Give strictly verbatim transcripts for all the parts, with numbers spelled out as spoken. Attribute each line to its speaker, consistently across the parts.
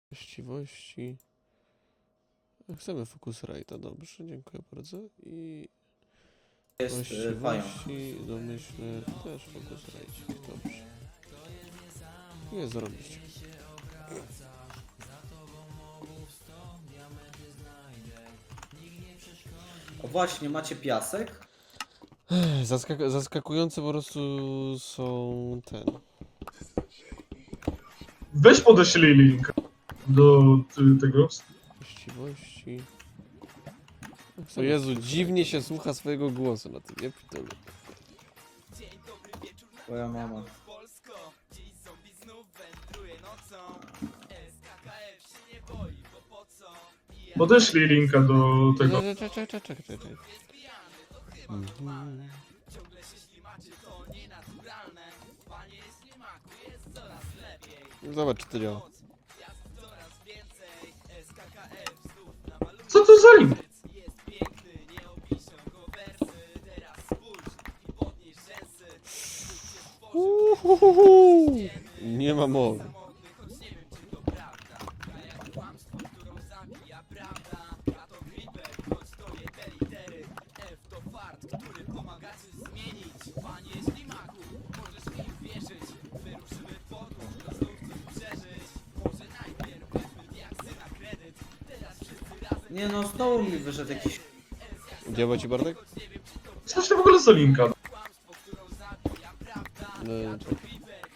Speaker 1: Właściwości. Chcemy Focusrite'a, dobrze, dziękuję bardzo. I
Speaker 2: Jest y, pająk.
Speaker 1: właściwości, domyślne, też Focusrite, dobrze. Jest zarobiście.
Speaker 2: O właśnie, macie piasek?
Speaker 1: Zaskak zaskakujące po prostu są ten.
Speaker 3: Weź podeślij link do ty, tego.
Speaker 1: Właściwości. O Jezu, dziwnie się słucha swojego głosu na tym, nie pitolu.
Speaker 2: Twoja mama.
Speaker 3: Podeślij linka do tego.
Speaker 1: Czekaj, czekaj, czekaj, czekaj, czekaj. Mhm. Zobacz, czy to działa.
Speaker 3: Co to za link?
Speaker 1: Uhuhuhu. Nie ma mowy.
Speaker 2: Nie no, znowu mi wyszedł jakiś...
Speaker 1: Działa ci, Bartek?
Speaker 3: Co to w ogóle za linka?
Speaker 1: No, czekaj.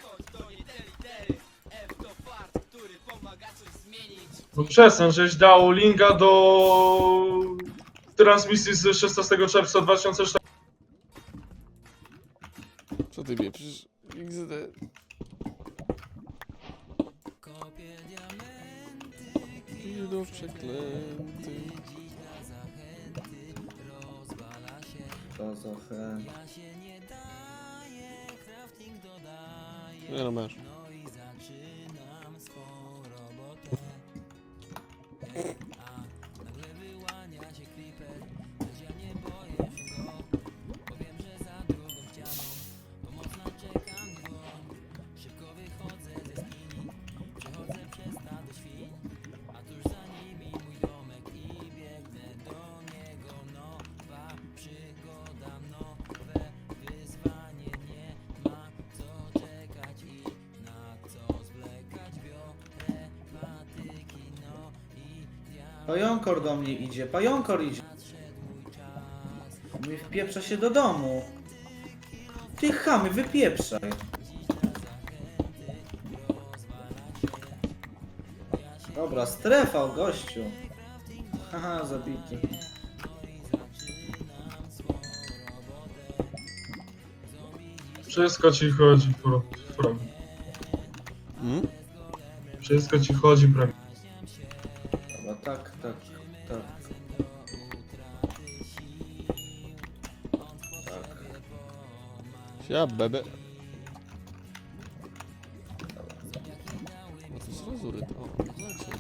Speaker 3: No przestań, żeś dał linka do transmisji z szesnastego czerwca dwa tysiące czternastego.
Speaker 1: Co ty wieprzysz? X D. Idol przeklęty.
Speaker 2: To za he...
Speaker 1: Nie no, masz.
Speaker 2: Pająkor do mnie idzie, pająkor idzie. Mi wpieprza się do domu. Ty chamy, wypieprzaj. Dobra, strefa, gościu. Haha, zabity.
Speaker 3: Wszystko ci chodzi, pro, pro.
Speaker 1: Hmm?
Speaker 3: Wszystko ci chodzi, prawie.
Speaker 2: Dobra, tak, tak, tak. Tak.
Speaker 1: Ja bebe. No to jest rozury, to. O, znaczy.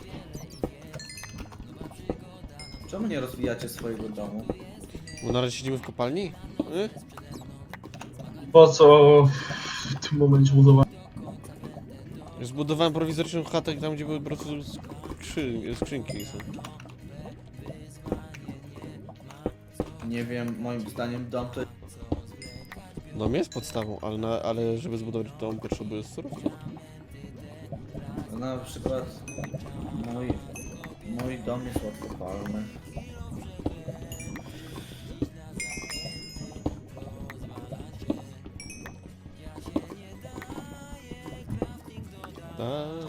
Speaker 2: Czemu nie rozwijacie swojego domu?
Speaker 1: Bo na razie siedzimy w kopalni? Y?
Speaker 3: Po co w tym momencie budowałem?
Speaker 1: Zbudowałem prowizoryczną chatę tam, gdzie były po prostu skrzy skrzynki są.
Speaker 2: Nie wiem, moim zdaniem dom to...
Speaker 1: Dom jest podstawą, ale, na, ale żeby zbudować dom potrzebuje surowców.
Speaker 2: Na przykład mój, mój dom jest łatwopalny.
Speaker 1: Tak.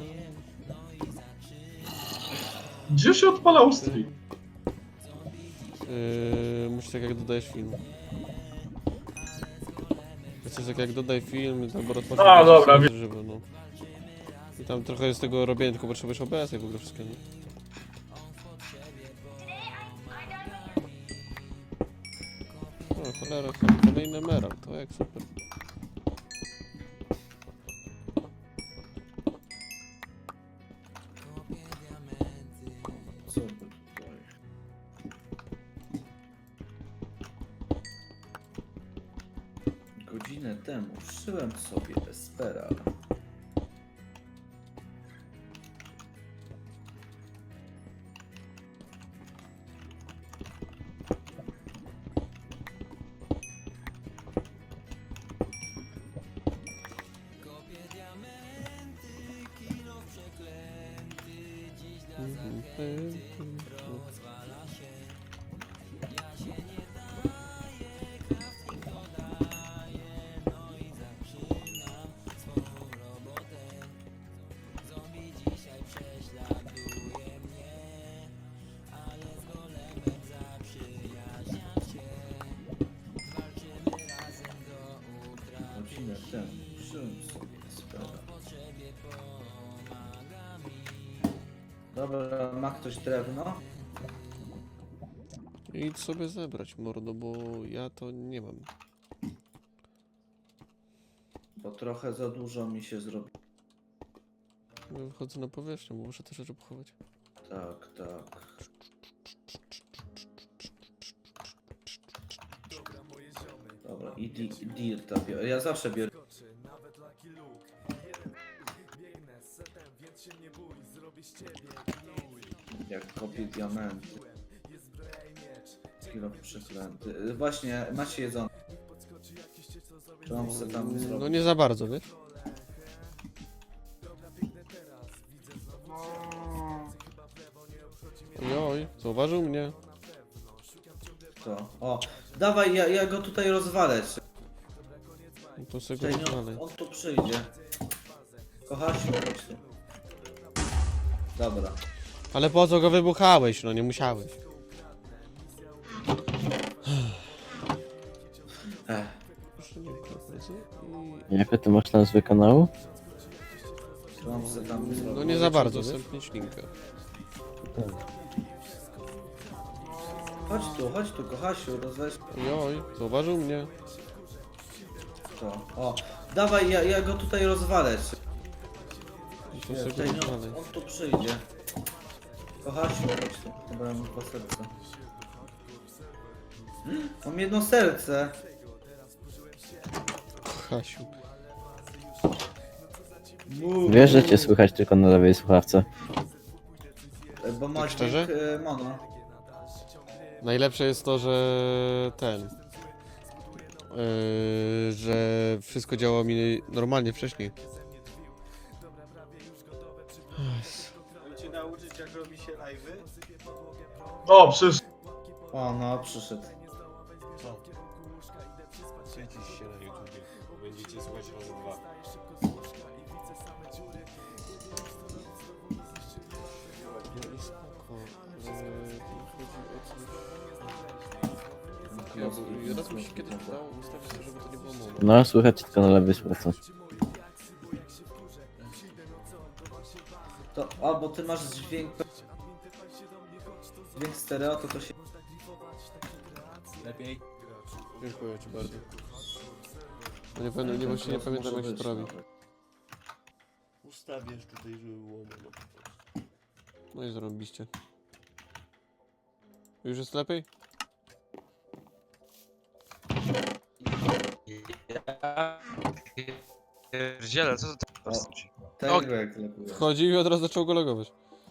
Speaker 3: Gdzie się odpalał stream?
Speaker 1: Yy, musisz tak jak dodajesz film. Jest coś tak jak dodaj film, tam rozpocząć.
Speaker 3: A, dobra, wiem.
Speaker 1: Żywo, no. I tam trochę jest tego robienia, tylko potrzebujesz O B S i w ogóle wszystkiego. O, cholera, kolejny emerald, to jak super.
Speaker 2: Co by tutaj? Godzinę temu szyłem sobie Espera. Godzinę temu przyjąłem sobie sprawę. Dobra, ma ktoś drewno?
Speaker 1: Idź sobie zebrać, mordo, bo ja to nie mam.
Speaker 2: Bo trochę za dużo mi się zrobi.
Speaker 1: Ja wychodzę na powierzchnię, bo muszę te rzeczy pochować.
Speaker 2: Tak, tak. Dobra, i di dirta biorę. Ja zawsze biorę. Jak kopię diamenty. Kilo przeklęty. Y, Właśnie, macie jedzone. To mam se tam
Speaker 1: No
Speaker 2: zrobić.
Speaker 1: nie za bardzo, wiesz? Oj, zauważył mnie.
Speaker 2: To. O, dawaj, ja, ja go tutaj rozwalę.
Speaker 1: No to sobie
Speaker 2: Czekaj,
Speaker 1: go
Speaker 2: nie,
Speaker 1: dalej.
Speaker 2: on, on tu przyjdzie. Kochasiu, chodź tu. Dobra.
Speaker 1: Ale po co go wybuchałeś? No nie musiałeś.
Speaker 2: Ech.
Speaker 1: Proszę nie ukradnąć.
Speaker 4: Jakie ty masz nazwę kanału?
Speaker 2: To mam se tam
Speaker 1: I...
Speaker 2: zrobić.
Speaker 1: No nie za bardzo, udostępnić linkę.
Speaker 2: Chodź tu, chodź tu, kochasiu, rozweź
Speaker 1: Oj, zauważył mnie.
Speaker 2: to. O, dawaj, ja, ja go tutaj rozwalę.
Speaker 1: I to
Speaker 2: Nie,
Speaker 1: sobie
Speaker 2: tutaj
Speaker 1: go
Speaker 2: nie,
Speaker 1: dalej.
Speaker 2: on tu przyjdzie. Kochasiu, chodź tu. Dobra, mam dwa serca. Mam jedno serce.
Speaker 1: Hasiu.
Speaker 4: Wiesz, że cię słychać tylko na lewej słuchawce.
Speaker 2: E, Bo masz
Speaker 1: szczerze?
Speaker 2: dźwięk, e, mono.
Speaker 1: Najlepsze jest to, że ten... Yy, że wszystko działało mi normalnie wcześniej.
Speaker 5: Mam cię nauczyć, jak robi się live'y?
Speaker 3: O, przecież
Speaker 2: O, no, przyszedł.
Speaker 5: Co? Świecisz się na YouTubie. Będziecie słuchać razy dwa.
Speaker 1: No i spoko. Yy, chodzi o
Speaker 2: Ja,
Speaker 1: coś... Ja, bo raz mi się kiedyś udało ustawić sobie, żeby to nie było mono.
Speaker 4: No, słychać tylko na lewej słuchawce.
Speaker 2: To, a, bo ty masz dźwięk... Dźwięk stereo, to to się...
Speaker 5: Lepiej?
Speaker 1: Dziękuję ci bardzo. No nie, pamiętam, nie, właśnie nie
Speaker 2: Może
Speaker 1: pamiętam jak się
Speaker 2: być
Speaker 1: to robi.
Speaker 2: nawet.
Speaker 5: Ustawiasz tutaj, żeby było mono.
Speaker 1: No i zarobiście. Już jest lepiej?
Speaker 6: Pierdziele, co to
Speaker 2: O,
Speaker 6: teraz?
Speaker 2: tego jak lepiej.
Speaker 1: Wchodził i od razu zaczął go logować.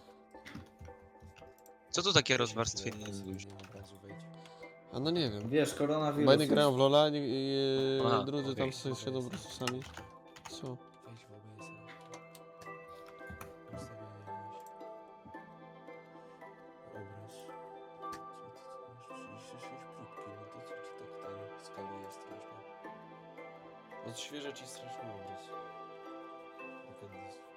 Speaker 6: Co to takie rozwarstwienie
Speaker 5: Nie,
Speaker 6: jest?
Speaker 5: nie, nie, od razu wejdź.
Speaker 1: A no nie wiem.
Speaker 2: Wiesz, koronawirus.
Speaker 1: Bajny
Speaker 2: jest.
Speaker 1: grają w Lola, nie, i,
Speaker 6: Aha,
Speaker 1: drudzy
Speaker 6: okej.
Speaker 1: tam sobie siedzą po prostu sami. Co?
Speaker 5: Wejdź w O B S. Ustawienia jakoś. Obraz. Co ty tu masz? trzydzieści sześć próbki, no to co ci tak ten skaluje strasznie? Odświeża ci strasznie obraz. Appendix.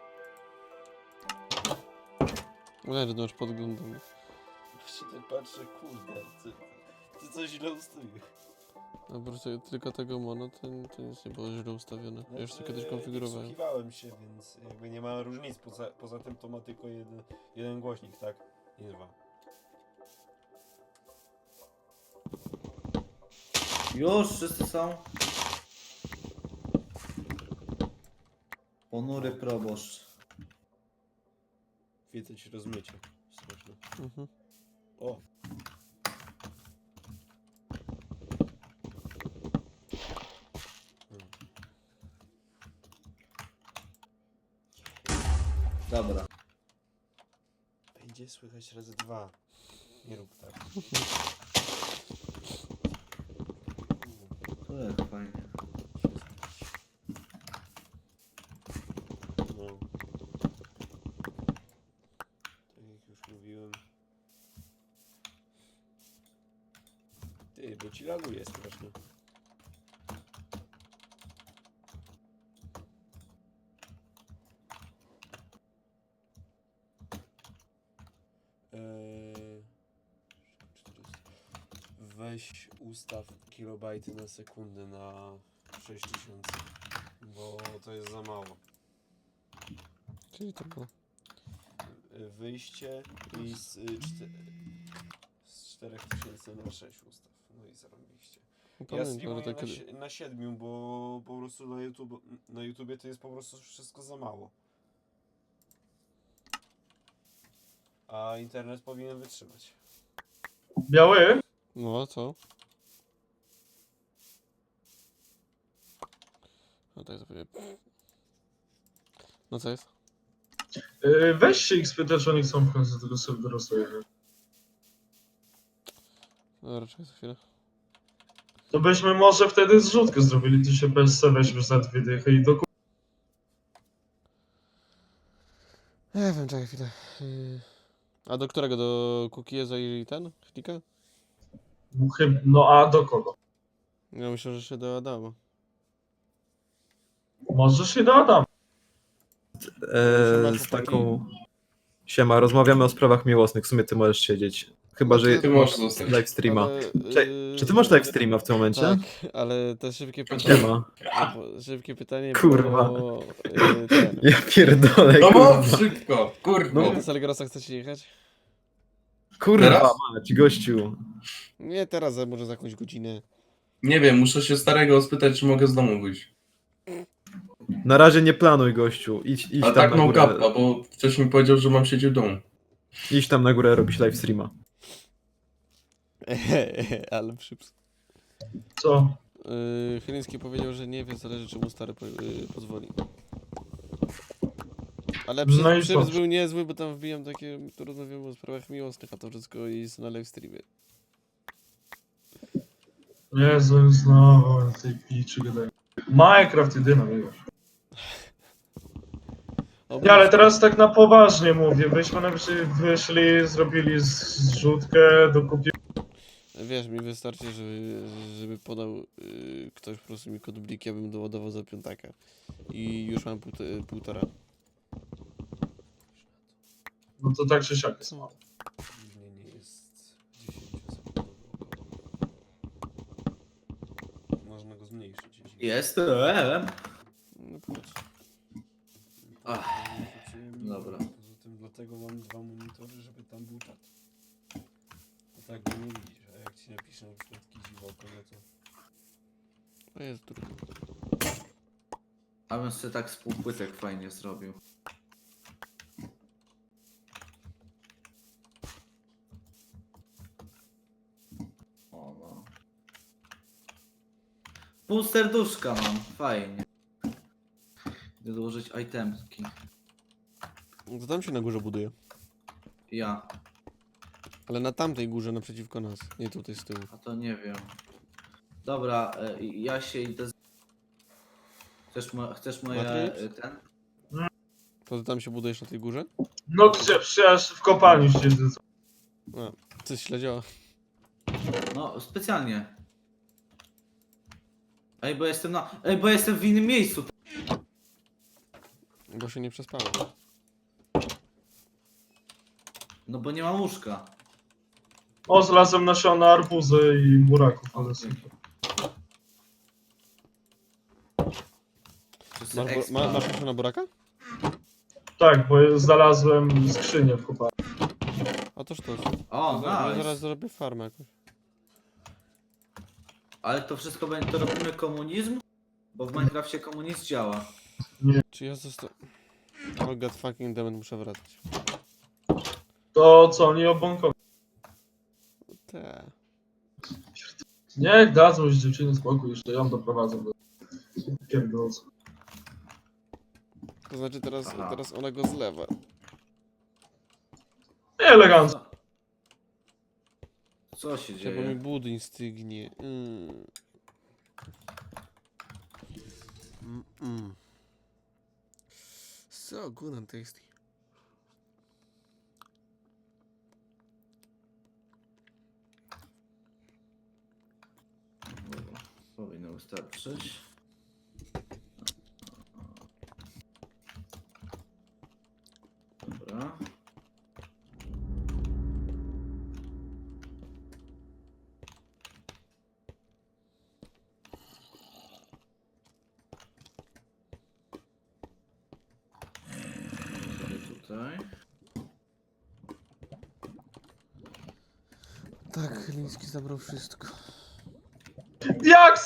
Speaker 1: Nie, że to już podglądam.
Speaker 5: Właśnie tak patrzę, kurde, ty, ty coś źle ustawiłeś.
Speaker 1: A po prostu tylko tego mono, to, to nic nie było źle ustawione. Ja już to
Speaker 5: Znaczy,
Speaker 1: kiedyś konfigurowałem.
Speaker 5: Wsłuchiwałem się, więc jakby nie ma różnic. Poza, poza tym to ma tylko jeden, jeden głośnik, tak? Nie dwa.
Speaker 2: Już, wszyscy są. Ponury proboszcz.
Speaker 5: Wiedzę ci rozmycie. Straszne.
Speaker 1: Mhm.
Speaker 5: O! Hmm.
Speaker 2: Dobra.
Speaker 5: Będzie słychać razy dwa. Nie rób tak.
Speaker 2: To jak fajnie.
Speaker 5: No. Tak jak już bo ci laguje strasznie. Eee, weź ustaw kilobajty na sekundę na sześć tysięcy, bo to jest za mało.
Speaker 1: Czyli to było.
Speaker 5: Y, Wyjście i z, y, czte, z czterech tysięcy na sześć ustaw. No i zarąbiście. Ja
Speaker 1: Pamiętam, że
Speaker 5: streamuję
Speaker 1: to
Speaker 5: na,
Speaker 1: kiedy...
Speaker 5: sie- na siedmiu, bo po prostu na, YouTube, na YouTubie to jest po prostu wszystko za mało. A internet powinien wytrzymać.
Speaker 3: Biały?
Speaker 1: No, co? No tak sobie... No co jest?
Speaker 3: Yy, weź się ich spytać, czy oni chcą w końcu tego serwera swojego.
Speaker 1: No raczej za chwilę.
Speaker 3: To byśmy może wtedy zrzutkę zrobili, ty się bez se weźmiesz za dwie dychy i do ku-
Speaker 1: Nie wiem, czekaj chwilę. Yy, A do którego? Do Cookiesa i ten? Klika?
Speaker 3: chyb- No a do kogo?
Speaker 1: Ja myślę, że się do Adama.
Speaker 3: Może się do Adama.
Speaker 7: e, z taką... Siema, rozmawiamy o sprawach miłosnych, w sumie ty możesz siedzieć. Chyba, że
Speaker 1: Ty
Speaker 8: możesz zostać.
Speaker 7: live streama.
Speaker 1: Ale,
Speaker 7: Cze-
Speaker 1: yy,
Speaker 7: Czy ty masz live streama w tym momencie?
Speaker 1: Tak, ale to szybkie pytanie.
Speaker 7: Siema.
Speaker 1: bo- Szybkie pytanie,
Speaker 7: Kurwa.
Speaker 1: bo... Yy, ten.
Speaker 7: Ja pierdolę,
Speaker 8: No
Speaker 7: kurwa.
Speaker 8: mów szybko, kurwa.
Speaker 1: No, do Salgrosa chcecie jechać?
Speaker 7: Kurwa
Speaker 8: Teraz?
Speaker 7: mać, gościu.
Speaker 1: Nie teraz, a może za jakąś godzinę.
Speaker 8: Nie wiem, muszę się starego spytać, czy mogę z domu wyjść.
Speaker 7: Na razie nie planuj, gościu. Idź, idź
Speaker 8: A
Speaker 7: tam
Speaker 8: tak
Speaker 7: na
Speaker 8: no
Speaker 7: górę.
Speaker 8: kappa, bo wcześniej mi powiedział, że mam siedzieć w domu.
Speaker 7: Idź tam na górę robić live streama.
Speaker 1: Ale przyps.
Speaker 3: Co?
Speaker 1: Yy, Chyliński powiedział, że nie wie, zależy czy mu stary po, yy, pozwoli. Ale przyps,
Speaker 3: No i
Speaker 1: przyps
Speaker 3: dobrze.
Speaker 1: był niezły, bo tam wbijam takie, tu rozmawiamy o sprawach miłosnych, a to wszystko jest na live streamie.
Speaker 3: Jezu, znowu tej piczy gadają. Minecraft jedyna, wiesz.
Speaker 1: O,
Speaker 3: Nie, ale teraz tak na poważnie mówię. Byśmy najwyżej wyszli, zrobili zrzutkę, dokupili.
Speaker 1: Wiesz, mi wystarczy, żeby, żeby podał yy, ktoś po prostu mi kod blik, ja bym doładował za piątaka. I już mam półto, półtora.
Speaker 3: No to tak czy siak jest mało.
Speaker 5: Opóźnienie jest dziesięciosekundowe około. Można go zmniejszyć. jeśli-
Speaker 2: Jestem.
Speaker 1: No powiedz.
Speaker 2: Ach,
Speaker 5: Wróciłem,
Speaker 2: dobra.
Speaker 5: Poza tym dlatego mam dwa monitory, żeby tam był czat. A tak go nie widzisz, a jak ci napiszę na przykład kiziwoko, no to...
Speaker 1: To jest trudno.
Speaker 2: A bym sobie tak z półpłytek fajnie zrobił. O no. Pół serduszka mam, fajnie. Idę dołożyć itemki.
Speaker 1: No to tam się na górze buduje.
Speaker 2: Ja,
Speaker 1: Ale na tamtej górze naprzeciwko nas, nie tutaj z tyłu.
Speaker 2: a to nie wiem. Dobra, e, ja się idę z... Chcesz, mo chcesz moje...
Speaker 1: Matrix?
Speaker 2: e, ten?
Speaker 1: To ty tam się budujesz na tej górze?
Speaker 3: No gdzie? Przecież w kopalni siedzę.
Speaker 1: A, coś źle działa.
Speaker 2: No, specjalnie. Ej, bo jestem na... Ej, bo jestem w innym miejscu.
Speaker 1: Bo się nie przespałem.
Speaker 2: No bo nie mam łóżka.
Speaker 3: O, znalazłem nasiona arbuzy i buraków, ale super.
Speaker 2: Wszyscy
Speaker 1: Masz, bo,
Speaker 2: expa.
Speaker 1: ma, masz jeszcze na buraka?
Speaker 3: Tak, bo znalazłem skrzynię w kopalni.
Speaker 1: A toż to.
Speaker 2: O,
Speaker 1: Ja
Speaker 2: nice.
Speaker 1: zaraz zrobię farmę jakąś.
Speaker 2: Ale to wszystko będzie, to robimy komunizm? Bo w Minecrafcie komunizm działa.
Speaker 1: Czy ja zostałem... Oh god fucking damn, muszę wracać.
Speaker 3: To co, nie obąkowi.
Speaker 1: Te.
Speaker 3: Niech dadzą już dziewczyny spokój, jeszcze ją doprowadzą do pierdolca.
Speaker 1: To znaczy teraz,
Speaker 2: Aha.
Speaker 1: teraz ona go zlewa.
Speaker 3: Nie elegancko.
Speaker 2: Co, Co się
Speaker 1: Bo mi
Speaker 2: dzieje?
Speaker 1: budyń stygnie. Mm. Mm -mm. So good and tasty.
Speaker 2: wystarczyć. Dobra. Sobie tutaj.
Speaker 1: Tak, Chyliński zabrał wszystko.
Speaker 3: Diaksy!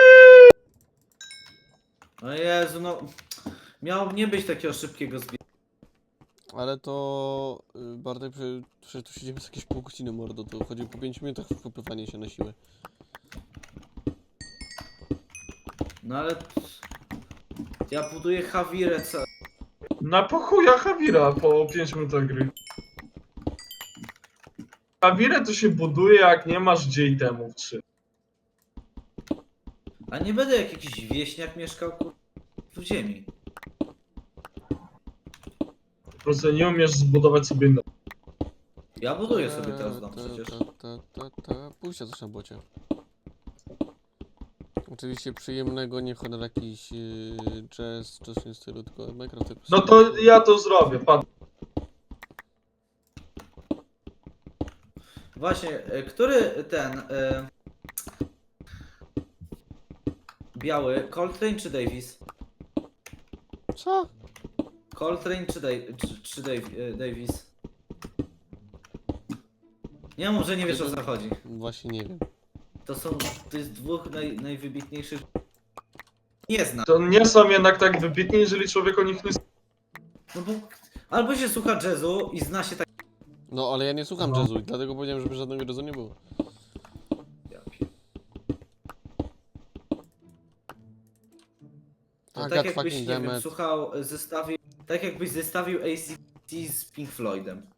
Speaker 2: O Jezu, no. Miało nie być takiego szybkiego zbiegu.
Speaker 1: Ale to... y, Bartek, prze- przecież tu siedzimy z jakieś pół godziny, mordo, to chodzi po pięciu minutach wkopywanie się na siłę.
Speaker 2: No ale... Ja buduję Hawirę ca...
Speaker 3: Na pochuja Hawira po pięć minutach gry. Hawirę to się buduje, jak nie masz gdzie itemów trzy.
Speaker 2: A nie będę jak jakiś wieśniak mieszkał kur... w ziemi.
Speaker 3: Po prostu nie umiesz zbudować sobie inne.
Speaker 2: Ja buduję sobie teraz dom
Speaker 1: Ta,
Speaker 2: przecież.
Speaker 1: Ta, ta, ta, ta. Pójście coś na bocie. Oczywiście przyjemnego, nie chodzi jakiś yy, jazz, coś w tym stylu, tylko Minecraft jako
Speaker 3: No to ja to zrobię, pan.
Speaker 2: Właśnie, e, który ten... E... Biały, Coltrane czy Davis?
Speaker 1: Co?
Speaker 2: Coltrane czy, Dave, czy, czy Dave, e, Davis? Nie mów, że nie wiesz o co chodzi.
Speaker 1: Właśnie nie wiem.
Speaker 2: To są, to jest dwóch naj, najwybitniejszych... Nie znam.
Speaker 3: To nie są jednak tak wybitni, jeżeli człowiek o nich nie...
Speaker 2: No bo albo się słucha jazzu i zna się tak...
Speaker 1: No ale ja nie słucham
Speaker 3: No.
Speaker 1: jazzu i dlatego powiedziałem, żeby żadnego jazzu nie było.
Speaker 2: Ja pier- To
Speaker 1: I
Speaker 2: tak
Speaker 1: got
Speaker 2: jakbyś,
Speaker 1: fucking
Speaker 2: nie wiem,
Speaker 1: damn it.
Speaker 2: słuchał, e, zestawił... Tak jakbyś zestawił A C D C z Pink Floydem.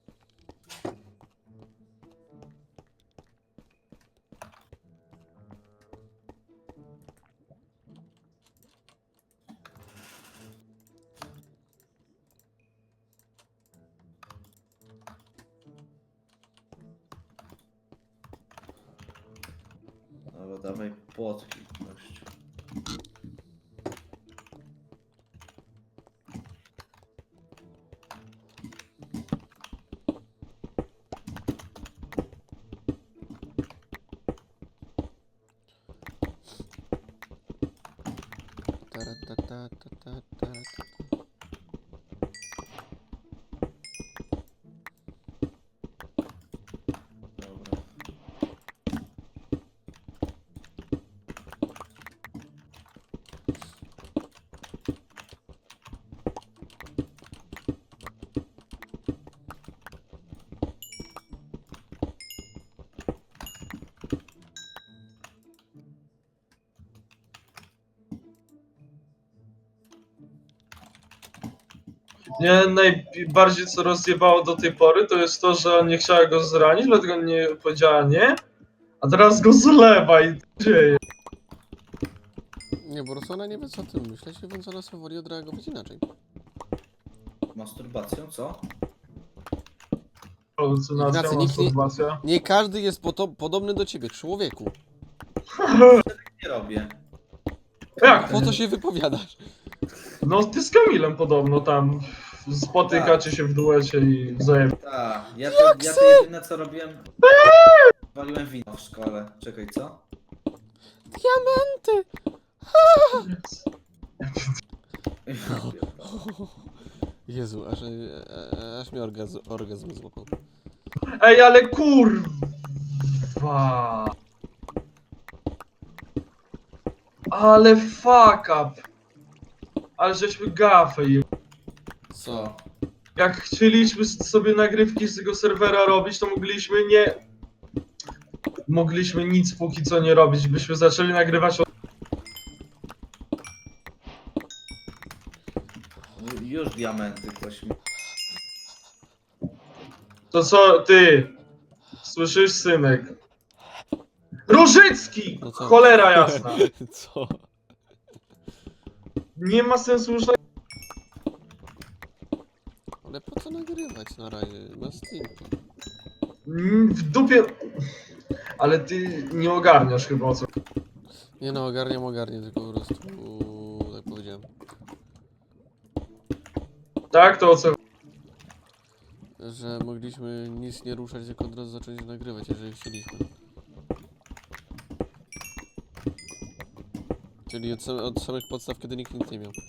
Speaker 2: Dobra, dawaj płotki. gościu.
Speaker 1: Tara, ta, ta, ta, ta, ta, ta.
Speaker 2: Dobra.
Speaker 3: Mnie najbardziej co rozjebało do tej pory, to jest to, że nie chciała go zranić, dlatego nie powiedziała nie, a teraz go zlewa i co dzieje.
Speaker 1: Nie, po prostu ona nie wie co o tym myśleć, więc ona sobie woli odreagować inaczej.
Speaker 2: Masturbacją, co?
Speaker 3: Halucynacja,
Speaker 1: Ignacy, nikt nie-
Speaker 3: masturbacja.
Speaker 1: Nie każdy jest poto- podobny do ciebie, człowieku.
Speaker 2: Nie robię.
Speaker 3: Jak?
Speaker 1: Po co się wypowiadasz?
Speaker 3: No ty z Kamilem podobno tam spotykacie się w duecie i wzajemnie.
Speaker 2: Tak, ja to, ja to jedyne co robiłem... Waliłem wino w szkole. Czekaj, co?
Speaker 1: Diamenty! Jezu, aż, e, aż mi orgazm, orgazm złapał.
Speaker 3: Ej, ale kurwa! Ale fuck up! Ale żeśmy gafę je...
Speaker 1: Co?
Speaker 3: Jak chcieliśmy sobie nagrywki z tego serwera robić, to mogliśmy nie... Mogliśmy nic póki co nie robić, byśmy zaczęli nagrywać od...
Speaker 2: Już diamenty ktoś mi...
Speaker 3: To co, ty? Słyszysz, synek? Różycki!
Speaker 1: No co?
Speaker 3: Cholera jasna!
Speaker 1: Co?
Speaker 3: Nie ma sensu już...
Speaker 1: Ale po co nagrywać na razie? Na Steam.
Speaker 3: Mm, W dupie... Ale ty nie ogarniasz chyba o co.
Speaker 1: Nie no, ogarniam, ogarnię, tylko po prostu tak powiedziałem.
Speaker 3: Tak, to o co?
Speaker 1: Że mogliśmy nic nie ruszać, tylko od razu zacząć nagrywać, jeżeli chcieliśmy. Czyli od, same, od samych podstaw, kiedy nikt nic nie miał.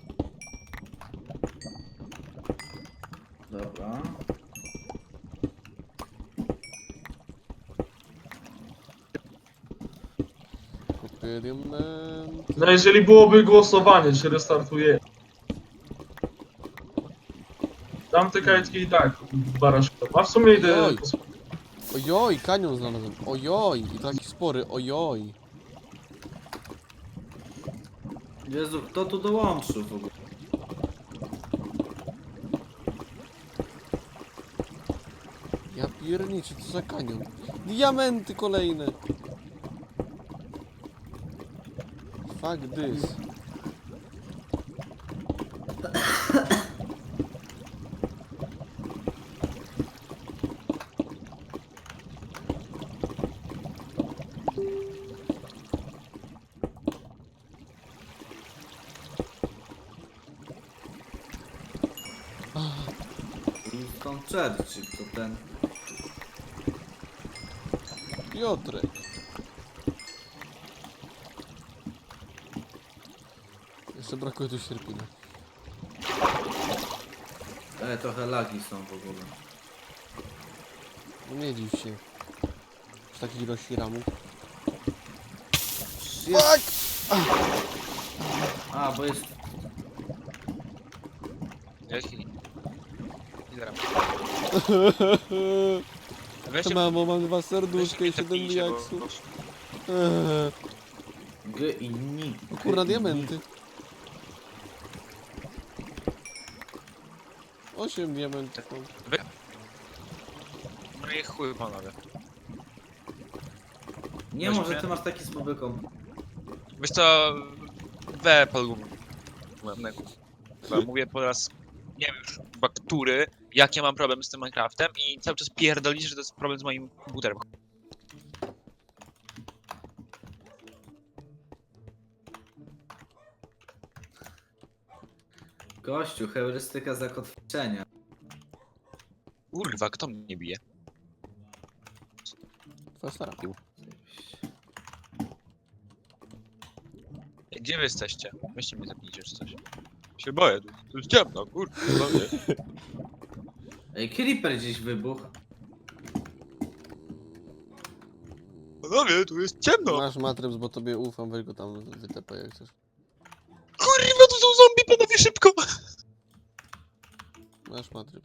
Speaker 2: Dobra.
Speaker 1: Kupię diament.
Speaker 3: No jeżeli byłoby głosowanie, czy restartuje. Tamte kajtki i tak baraszko. A w sumie idę...
Speaker 1: Oj. Ojoj, kanion znalazłem. Ojoj, i taki spory, ojoj.
Speaker 2: Jezu, kto tu dołączył w ogóle?
Speaker 1: Ja pierniczę, co za kanion. Diamenty kolejne. Fuck this.
Speaker 2: Winston Churchill, to ten...
Speaker 1: Piotrek. Jeszcze brakuje tu sierpina.
Speaker 2: E, trochę lagi są w ogóle.
Speaker 1: No nie dziw się. Z takiej ilości ramów.
Speaker 2: Jest... A, bo jest...
Speaker 6: Jaki? Ile ram?
Speaker 1: To
Speaker 6: Weźcie,
Speaker 1: mamo, mam dwa serduszka i
Speaker 6: weźcie
Speaker 1: siedem
Speaker 6: tepnijcie, bo-
Speaker 1: diaksów.
Speaker 6: bo-
Speaker 1: Eee,
Speaker 2: G i ni.
Speaker 1: o kurna, diamenty. Osiem diamentów. mam.
Speaker 6: Wy... No i chuj panowie.
Speaker 2: Nie
Speaker 6: Weźmy.
Speaker 2: może ty masz taki słaby komp.
Speaker 6: Wiesz co, we polu. Mówię po raz, nie wiem już chyba który, jak ja mam problem z tym Minecraftem i cały czas pierdolisz, że to jest problem z moim komputerem.
Speaker 2: Gościu, heurystyka zakotwiczenia.
Speaker 6: Kurwa, kto mnie bije?
Speaker 1: Twoja stara.
Speaker 6: Gdzie wy jesteście? Weźcie mnie zabijcie czy coś. Się boję, tu, tu jest ciemno, kurwa, panowie.
Speaker 2: Ej, Creeper gdzieś wybuchł.
Speaker 6: Panowie, tu jest ciemno!
Speaker 1: Masz matryc, bo tobie ufam, weź go tam wytepaj jak chcesz.
Speaker 6: Kurwa, tu są zombie, panowie, szybko!
Speaker 1: Masz matryc.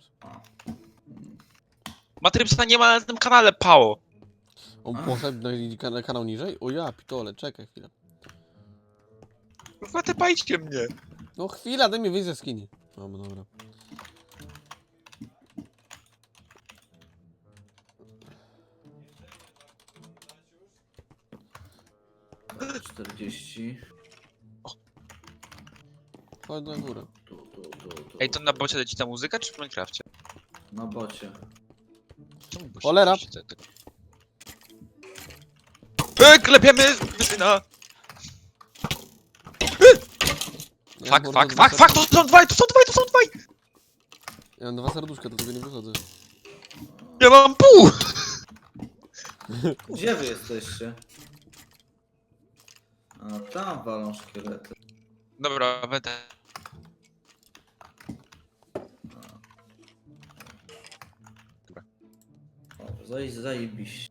Speaker 6: Matrypsa nie ma na tym kanale, pało!
Speaker 1: On poszedł na kanał, kanał niżej? O ja, pitole, czekaj chwilę.
Speaker 6: Kurwa, tepajcie mnie!
Speaker 1: No chwila, daj mi wyjść ze skini. No dobra.
Speaker 2: czterdzieści.
Speaker 1: Chodź na górę.
Speaker 2: Tu, tu, tu, tu.
Speaker 6: Ej, to na bocie leci ta muzyka, czy w Minecrafcie?
Speaker 2: Na bocie.
Speaker 6: Czemu bocie
Speaker 1: Cholera.
Speaker 6: leci te- te- Ej, klepiemy wysyna!
Speaker 1: Ja
Speaker 6: Fuck,
Speaker 1: mam
Speaker 6: fuck,
Speaker 1: dwa
Speaker 6: fuck, fuck, to są dwaj, to są dwaj, to są dwaj!
Speaker 1: Ja mam dwa serduszka, do tego nie wychodzę.
Speaker 6: Ja mam pół!
Speaker 2: Gdzie wy jesteście? A tam walą szkielety.
Speaker 6: Dobra, będę.
Speaker 2: O, zaj, zajebiście.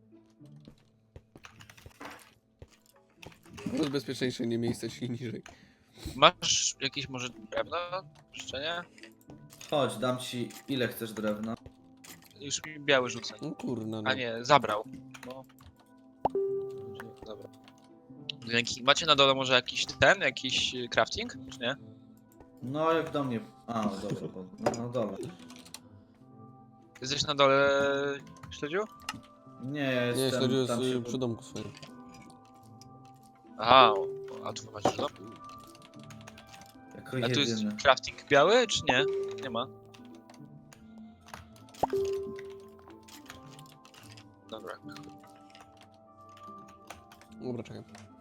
Speaker 1: To jest bezpieczniejsze nie miejsce się niżej.
Speaker 6: Masz jakieś może drewno? Jeszcze nie?
Speaker 2: Chodź, dam ci ile chcesz drewna.
Speaker 6: Już mi biały rzucę.
Speaker 1: No kurna, no.
Speaker 6: A nie, zabrał. No. Dobra. Dzięki. Macie na dole może jakiś ten, jakiś y, crafting, czy nie?
Speaker 2: No jak do mnie. A, no dobra, bo, no, no dobra.
Speaker 6: Jesteś na dole, śledziu?
Speaker 2: Nie, ja
Speaker 1: Nie,
Speaker 2: jestem
Speaker 1: śledził
Speaker 2: tam
Speaker 1: jest
Speaker 2: się...
Speaker 1: y, przy domku swoim.
Speaker 6: Aha, a tu masz dom?
Speaker 2: Jako
Speaker 6: A tu jest
Speaker 2: jedyny.
Speaker 6: crafting biały, czy nie? Nie ma. Dobra.
Speaker 1: Dobra, czekaj.